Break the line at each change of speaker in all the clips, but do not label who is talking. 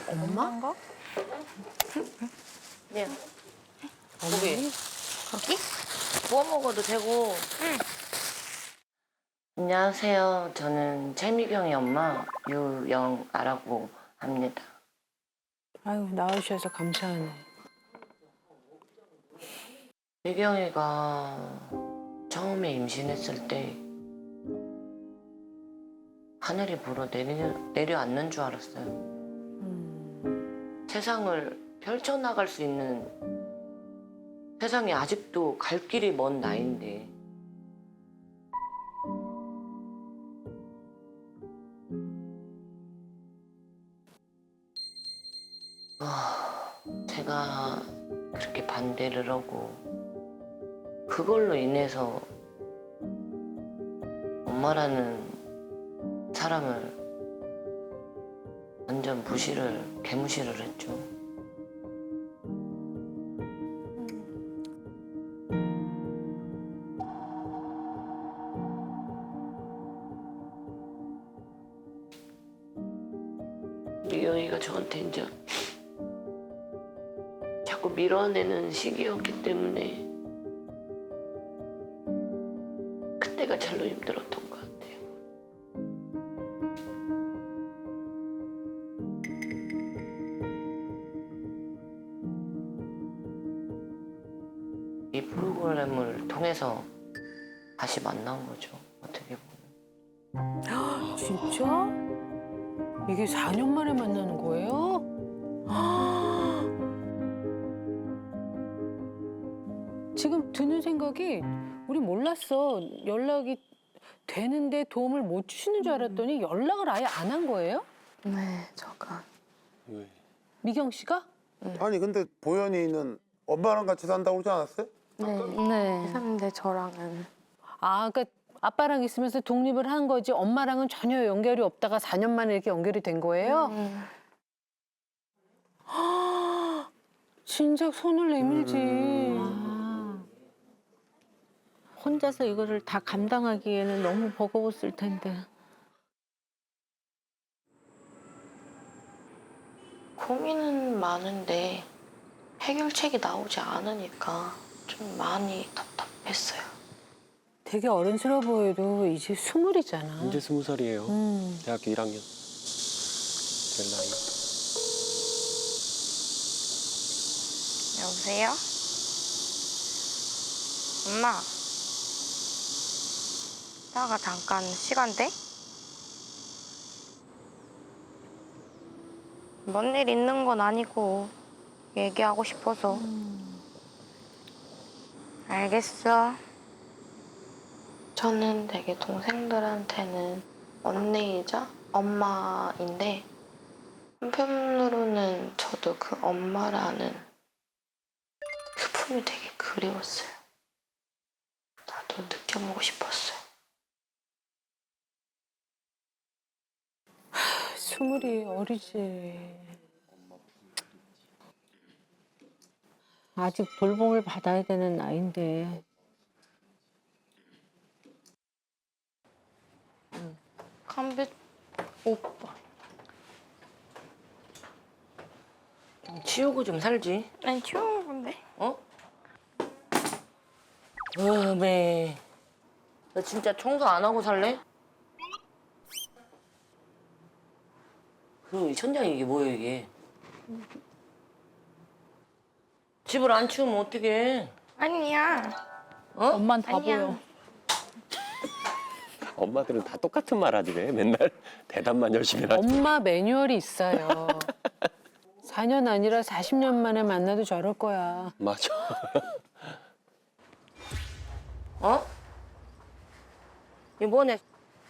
엄마?
네. 고기.
고기?
구워 먹어도 되고. 안녕하세요. 저는 최미경의 엄마 유영아라고 합니다.
아유, 나와주셔서 감사하네.
미경이가 처음에 임신했을 때 하늘이 불어 내려앉는 줄 알았어요. 세상을 펼쳐나갈 수 있는 세상이 아직도 갈 길이 먼 나이인데 제가 그렇게 반대를 하고 그걸로 인해서 엄마라는 사람을 완전 개무시를 했죠. 미경이가 저한테 이제 자꾸 밀어내는 시기였기 때문에 그때가 제일로 힘들었던 것 같아요. 이 프로그램을 통해서 다시 만난 거죠. 어떻게 보면.
진짜? 이게 4년 만에 만나는 거예요? 지금 드는 생각이 우리 몰랐어. 연락이 되는데 도움을 못 주시는 줄 알았더니 연락을 아예 안 한 거예요?
네, 저가.
왜?
미경 씨가?
아니 근데 보현이는 엄마랑 같이 산다고 그러지 않았어요?
네. 사는데 저랑은.
아, 그러니까 아빠랑 있으면서 독립을 한 거지 엄마랑은 전혀 연결이 없다가 4년 만에 이렇게 연결이 된 거예요? 진작 손을 내밀지. 아. 혼자서 이거를 다 감당하기에는 너무 버거웠을 텐데.
고민은 많은데 해결책이 나오지 않으니까 좀 많이 답답했어요.
되게 어른스러워 보여도 이제 20이잖아.
이제 20살이에요. 대학교 1학년 될 나이.
여보세요? 엄마. 나가 잠깐 시간 돼? 뭔 일 있는 건 아니고 얘기하고 싶어서. 알겠어.
저는 되게 동생들한테는 언니이자 엄마인데 한편으로는 저도 그 엄마라는 그 품이 되게 그리웠어요. 나도 느껴보고 싶었어요.
20이 어리지. 아직 돌봄을 받아야 되는 나이인데.
감백 오빠.
치우고 좀 살지.
아니 치우는 건데.
어? 매. 너 진짜 청소 안 하고 살래? 그 천장이 이게 뭐예요 이게? 집을 안 치우면 어떡해?
아니야.
어?
엄만 다
아니야.
보여.
엄마들은 다 똑같은 말 하지 왜? 맨날 대답만 열심히 하지.
엄마 매뉴얼이 있어요. 4년 아니라 40년 만에 만나도 저럴 거야.
맞아.
어? 이게 뭐네?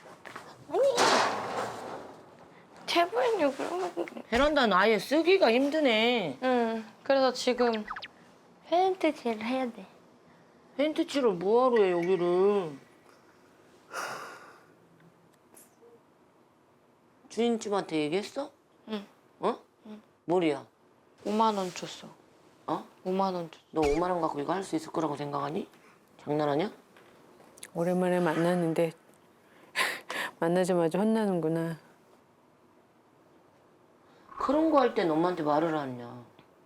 제발요 그러면.
베란다는 아예 쓰기가 힘드네.
응. 그래서 지금 페인트 칠을 해야 돼.
페인트 칠을 뭐하러 해 여기를? 주인집한테 얘기했어?
응.
어? 뭘이야?
5만 원 줬어.
어?
5만 원 줬어.
너 5만 원 갖고 이거 할 수 있을 거라고 생각하니? 장난하냐?
오랜만에 만났는데 만나자마자 혼나는구나.
그런 거 할 땐 엄마한테 말을 안 하냐.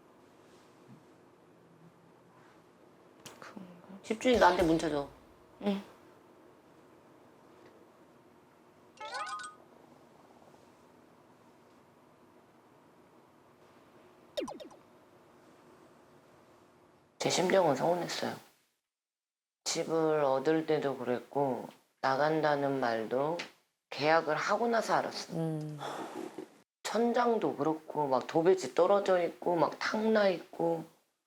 집주인 나한테 문자 줘.
응.
제 심정은 서운했어요. 집을 얻을 때도 그랬고 나간다는 말도 계약을 하고 나서 알았어. 천장도 그렇고 막 도배지 떨어져 있고 막 탕나 있고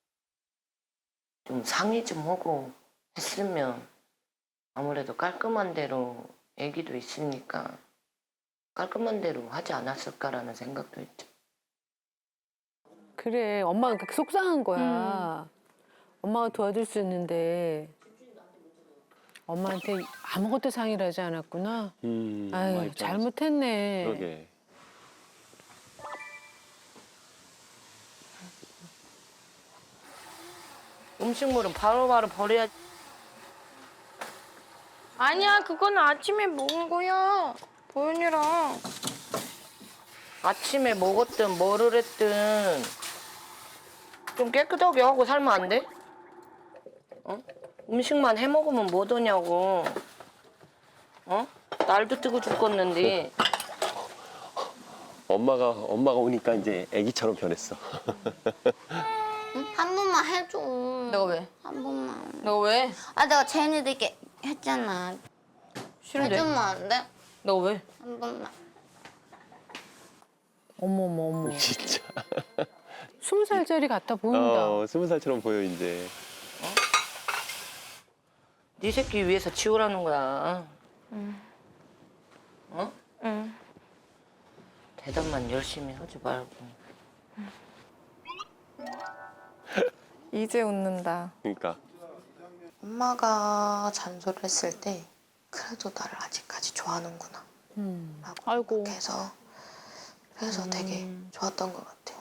좀 상의 좀 하고 했으면 아무래도 깔끔한 대로 애기도 있으니까 깔끔한 대로 하지 않았을까라는 생각도 했죠.
그래, 엄마가 그렇게 속상한 거야. 엄마가 도와줄 수 있는데 엄마한테 아무것도 상의를 하지 않았구나.
엄마
아유,
입장에서.
잘못했네.
그러게.
음식물은 바로바로 버려야지.
아니야, 그건 아침에 먹은 거야. 보현이랑.
아침에 먹었든 뭐를 했든 좀 깨끗하게 하고 살면 안 돼? 어? 음식만 해 먹으면 뭐더냐고. 어? 날도 뜨고 죽겠는데.
엄마가 오니까 이제 아기처럼 변했어.
한 번만 해줘.
내가 왜?
한 번만.
너 왜?
아 내가 쟤네들께 했잖아.
싫은데?
해주면 안 돼?
너 왜?
한 번만.
어머머머.
진짜.
20살짜리 같아 보인다.
20살처럼 보여 이제.
네 새끼 위해서 치우라는 거야. 어?
응.
대답만 열심히 하지 말고.
이제 웃는다.
그러니까.
엄마가 잔소리를 했을 때 그래도 나를 아직까지 좋아하는구나 라고
아이고.
생각해서 그래서 되게 좋았던 것 같아요.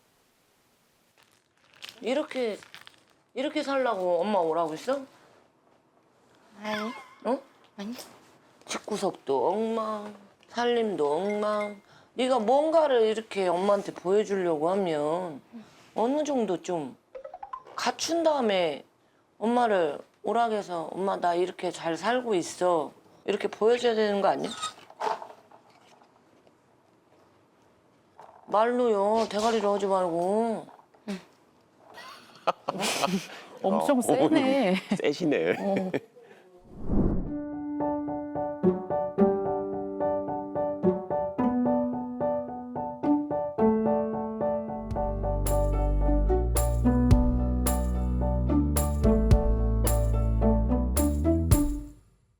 이렇게 살라고 엄마 오라고 했어?
아니,
어?
아니.
집구석도 엉망, 살림도 엉망. 네가 뭔가를 이렇게 엄마한테 보여주려고 하면 어느 정도 좀 갖춘 다음에 엄마를 오락해서 엄마 나 이렇게 잘 살고 있어 이렇게 보여줘야 되는 거 아니야? 말로요 대가리를 하지 말고.
엄청 세네.
세시네.